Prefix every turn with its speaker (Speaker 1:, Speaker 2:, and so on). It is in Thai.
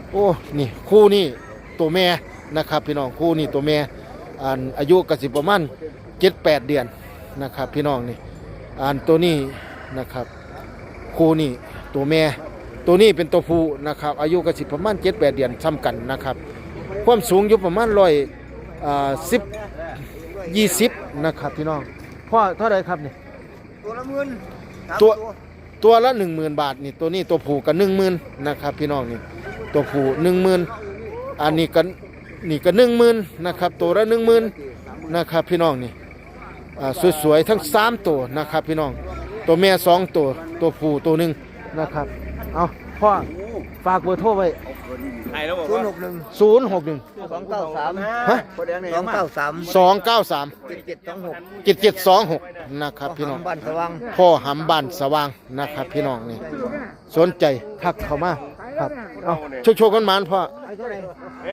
Speaker 1: โอ้นี่คู่นี่ตัวแม่นะครับพี่น้องคู่นี่ตัวแม่อายุกสิประมาณ7-8 เดือนนะครับพี่น้องนี่ตัวนี้นะครับคู่นี่ตัวแม่ตัวนี้เป็นตัวผู้นะครับอายุกสิประมาณ7-8 เดือนซ้ำกันนะครับความสูงอยู่ประมาณ120นะครับพี่น้องพ่อเท่าไหร่ครับนี่
Speaker 2: ตัวละหมื่น
Speaker 1: ตัวละ 10,000 บาทนี่ตัวนี้ตัวผู้ก็ 10,000นะครับพี่น้องนี่ตัวผู้ 10,000อันนี้ก็ 10,000นะครับตัวละ 10,000นะครับพี่น้องนี่สวยๆทั้ง3ตัวนะครับพี่น้องตัวแม่2ตัวตัวผู้ตัวหนึ่งนะครับเอาพ่อฝากเบอร์โทรไว้
Speaker 2: 061
Speaker 1: 061
Speaker 2: 293
Speaker 1: ฮะ
Speaker 2: 293
Speaker 1: 293
Speaker 2: 7726
Speaker 1: 7726นะครับพี่น้อง
Speaker 2: บ้านสว่าง
Speaker 1: พ่อหำบ้านสว่างนะครับพี่น้องนี่สนใจทักเข้ามาครับเอาโชคๆกันหมานพ่อ